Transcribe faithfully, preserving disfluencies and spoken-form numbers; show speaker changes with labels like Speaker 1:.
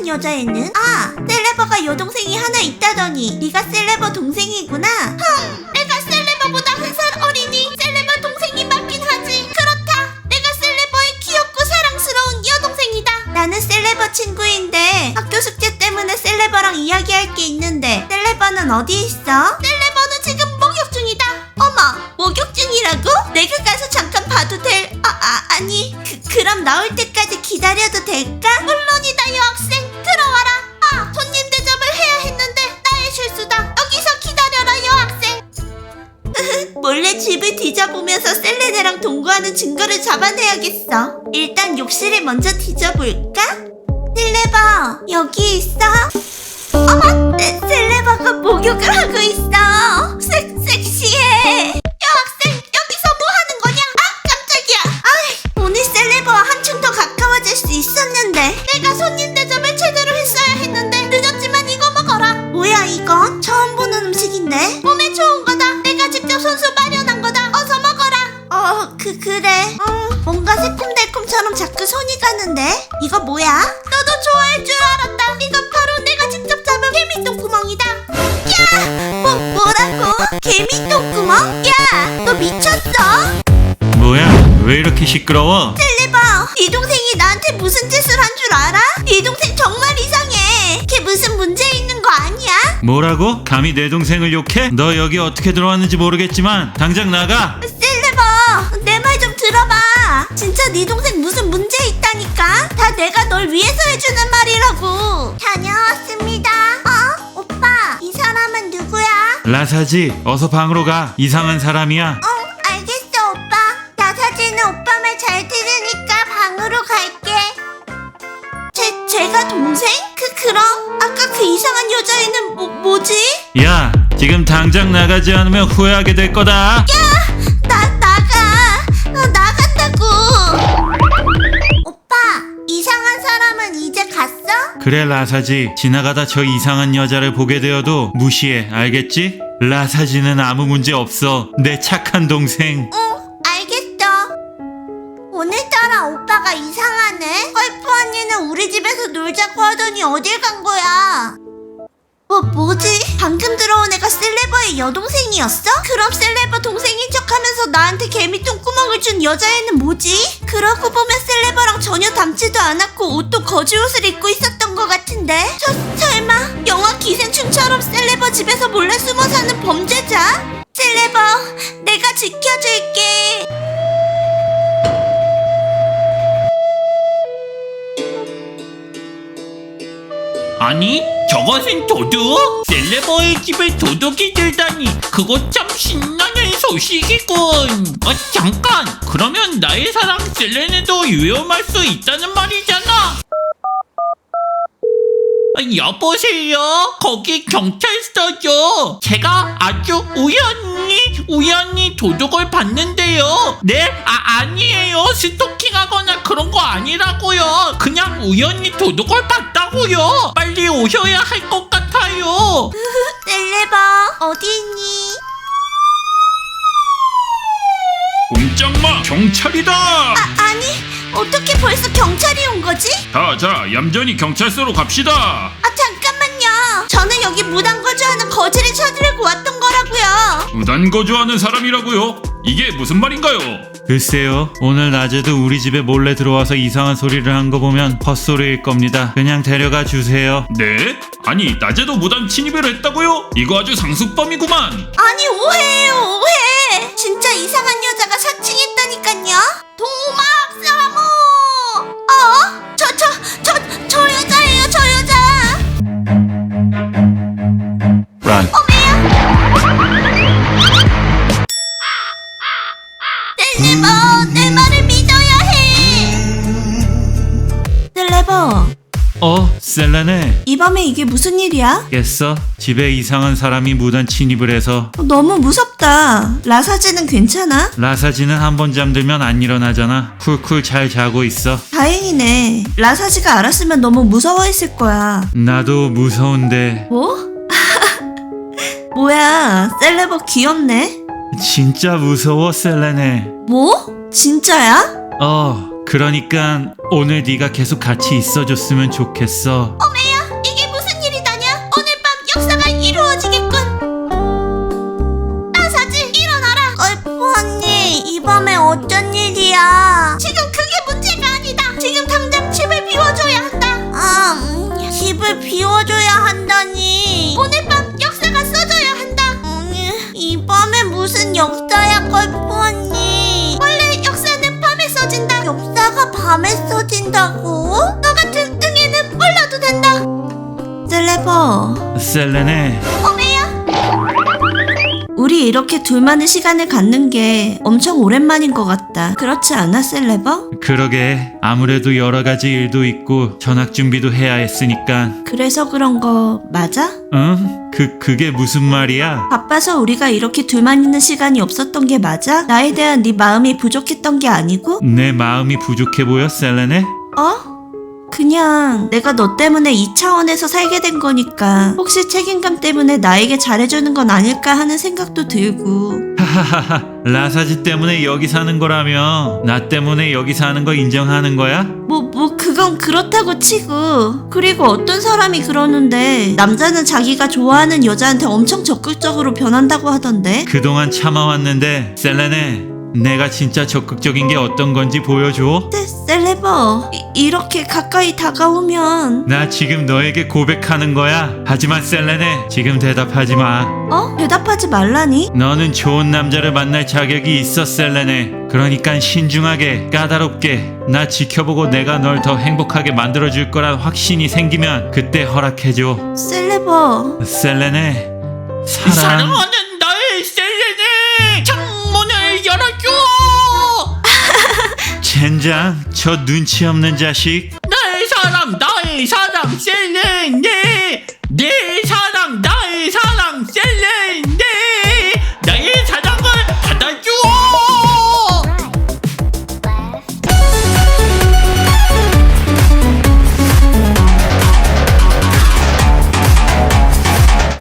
Speaker 1: 이상한 여자애는? 아, 셀레버가 여동생이 하나 있다더니 네가 셀레버 동생이구나. 흠, 내가 셀레버보다 한 살 어리니 셀레버 동생이 맞긴 하지. 그렇다, 내가 셀레버의 귀엽고 사랑스러운 여동생이다. 나는 셀레버 친구인데 학교 숙제 때문에 셀레버랑 이야기할 게 있는데 셀레버는 어디 있어? 셀레버는 지금 목욕 중이다. 어머, 목욕 중이라고? 내가 가서 잠깐 봐도 될... 아, 아 아니 그, 그럼 나올 때까지 기다려도 될까? 물론이다 여학생, 들어와라. 아, 손님 대접을 해야 했는데 나의 실수다. 여기서 기다려라 여학생. 몰래 집을 뒤져보면서 셀레네랑 동거하는 증거를 잡아내야겠어. 일단 욕실을 먼저 뒤져볼까? 셀레버 여기 있어? 어머, 세, 셀레버가 목욕을 하고 있어. 섹, 섹시해. 여학생, 여기서 뭐 하는 거냐? 아, 깜짝이야. 아이, 오늘 셀레버와 한층 더 가까워질 수 있었는데. 내가 손님 대접을 제대로 했어야 했는데 늦었지만 이거 먹어라. 뭐야 이건? 처음 보는 음식인데? 몸에 좋은 거다. 내가 직접 손수 마련한 거다. 어서 먹어라. 어, 그, 그래. 음, 뭔가 새콤달콤처럼 자꾸 손이 가는데? 이거 뭐야? 너도 좋아할 줄 알았다. 이건 바로 내가 직접 잡은 개미똥구멍이다. 야! 뭐, 뭐라고? 개미똥구멍? 야! 너 미쳤어?
Speaker 2: 뭐야? 왜 이렇게 시끄러워?
Speaker 1: 셀레버, 네 동생이 나한테 무슨 짓을 한 줄 알아? 네 동생 정말 이상해. 걔 무슨 문제 있는 거 아니야?
Speaker 2: 뭐라고? 감히 내 동생을 욕해? 너 여기 어떻게 들어왔는지 모르겠지만 당장 나가!
Speaker 1: 셀레버, 내 말 좀 들어봐. 진짜 네 동생 무슨 문제 있다니까? 다 내가 널 위해서 해주는 말이라고. 다녀왔습니다. 어? 오빠, 이 사람은 누구야?
Speaker 2: 라사지, 어서 방으로 가. 이상한 사람이야.
Speaker 1: 응, 알겠어 오빠. 나사지는 오빠 말 잘 들으니까 방으로 갈게. 제, 제가 동생? 그, 그럼? 아까 그 이상한 여자애는 뭐, 뭐지?
Speaker 2: 야, 지금 당장 나가지 않으면 후회하게 될 거다.
Speaker 1: 야! 나, 나가! 어, 나간다고! 오빠, 이상한 사람은 이제 갔어?
Speaker 2: 그래 라사지, 지나가다 저 이상한 여자를 보게 되어도 무시해, 알겠지? 라사지는 아무 문제 없어. 내 착한 동생.
Speaker 1: 응, 알겠어. 오늘따라 오빠가 이상하네. 헐프 언니는 우리 집에서 놀자고 하더니 어딜 간 거야? 뭐, 뭐지? 방금 들어온 애가 셀레버의 여동생이었어? 그럼 셀레버 동생인 척하면서 나한테 개미똥구멍을 준 여자애는 뭐지? 그러고 보면 셀레버랑 전혀 닮지도 않았고 옷도 거지 옷을 입고 있었던 것 같은데? 저, 설마 영화 기생충처럼 셀레버 집에서 몰래 숨어 사는 범죄자? 셀레버, 내가 지켜줄게.
Speaker 3: 아니, 저것은 도둑? 셀레버의 집에 도둑이 들다니, 그거 참 신나는 소식이군. 어, 잠깐, 그러면 나의 사랑 셀레네도 위험할 수 있다는 말이잖아. 아, 여보세요? 거기 경찰서죠? 제가 아주 우연히 우연히 도둑을 봤는데요. 네? 아, 아니에요. 스토킹하거나 그런 거 아니라고요. 그냥 우연히 도둑을 봤다고요. 빨리 오셔야 할 것 같아요.
Speaker 1: 셀레버, 어디 있니?
Speaker 4: 꼼짝마, 경찰이다.
Speaker 1: 아, 아니, 어떻게 벌써 경찰이 온 거지?
Speaker 4: 자, 자, 얌전히 경찰서로 갑시다.
Speaker 1: 아, 잠깐만요. 저는 여기 무단 거주하는 거지를 찾으려고 왔던 거라고요.
Speaker 4: 무단 거주하는 사람이라고요? 이게 무슨 말인가요?
Speaker 2: 글쎄요, 오늘 낮에도 우리 집에 몰래 들어와서 이상한 소리를 한 거 보면 헛소리일 겁니다. 그냥 데려가 주세요.
Speaker 4: 네? 아니, 낮에도 무단 침입을 했다고요? 이거 아주 상습범이구만.
Speaker 1: 아니, 오해예요, 오해. 진짜 이상한 여자가 사칭했다니깐요. 도막 사모. 어? 저, 저, 저, 저 여자예요, 저 여자.
Speaker 2: 란.
Speaker 1: 셀레버, 내 말을 믿어야 해. 셀레버,
Speaker 2: 어, 셀레네.
Speaker 1: 이 밤에 이게 무슨 일이야?
Speaker 2: 깼어? 집에 이상한 사람이 무단 침입을 해서.
Speaker 1: 어, 너무 무섭다. 라사지는 괜찮아?
Speaker 2: 라사지는 한 번 잠들면 안 일어나잖아. 쿨쿨 잘 자고 있어.
Speaker 1: 다행이네. 라사지가 알았으면 너무 무서워했을 거야.
Speaker 2: 나도 무서운데.
Speaker 1: 뭐? 뭐야, 셀레버 귀엽네.
Speaker 2: 진짜 무서워, 셀레네.
Speaker 1: 뭐? 진짜야?
Speaker 2: 어, 그러니까 오늘 네가 계속 같이 있어줬으면 좋겠어.
Speaker 1: 어메, 지워줘야 한다니. 오늘 밤 역사가 써져야 한다. 아니, 이 밤에 무슨 역사야, 걸프 언니. 원래 역사는 밤에 써진다. 역사가 밤에 써진다고? 너 같은 응애는 몰라도 된다. 셀레버.
Speaker 2: 셀레네,
Speaker 1: 어메야. 우리 이렇게 둘만의 시간을 갖는 게 엄청 오랜만인 것 같다. 그렇지 않아, 셀레버?
Speaker 2: 그러게 아무래도 여러 가지 일도 있고 전학 준비도 해야 했으니까.
Speaker 1: 그래서 그런 거 맞아?
Speaker 2: 응? 그 그게 무슨 말이야?
Speaker 1: 바빠서 우리가 이렇게 둘만 있는 시간이 없었던 게 맞아? 나에 대한 네 마음이 부족했던 게 아니고?
Speaker 2: 내 마음이 부족해 보여, 셀레네?
Speaker 1: 어? 그냥 내가 너 때문에 이 차원에서 살게 된 거니까 혹시 책임감 때문에 나에게 잘해주는 건 아닐까 하는 생각도 들고.
Speaker 2: 하하하하, 라사지 때문에 여기 사는 거라며 나 때문에 여기 사는 거 인정하는 거야?
Speaker 1: 뭐, 뭐, 그건 그렇다고 치고. 그리고 어떤 사람이 그러는데, 남자는 자기가 좋아하는 여자한테 엄청 적극적으로 변한다고 하던데?
Speaker 2: 그동안 참아왔는데 셀레네, 내가 진짜 적극적인 게 어떤 건지 보여줘.
Speaker 1: 세, 셀레버, 이, 이렇게 가까이 다가오면.
Speaker 2: 나 지금 너에게 고백하는 거야. 하지만 셀레네, 지금 대답하지 마.
Speaker 1: 어? 대답하지 말라니?
Speaker 2: 너는 좋은 남자를 만날 자격이 있어, 셀레네. 그러니까 신중하게, 까다롭게 나 지켜보고 내가 널 더 행복하게 만들어줄 거란 확신이 생기면 그때 허락해줘.
Speaker 1: 셀레버.
Speaker 2: 셀레네, 사랑.
Speaker 3: 사랑하는 나의 셀레네, 창문을 열어줘.
Speaker 2: 젠장, 저 눈치 없는 자식.
Speaker 3: 나의 사랑, 나의 사랑, 셀레네.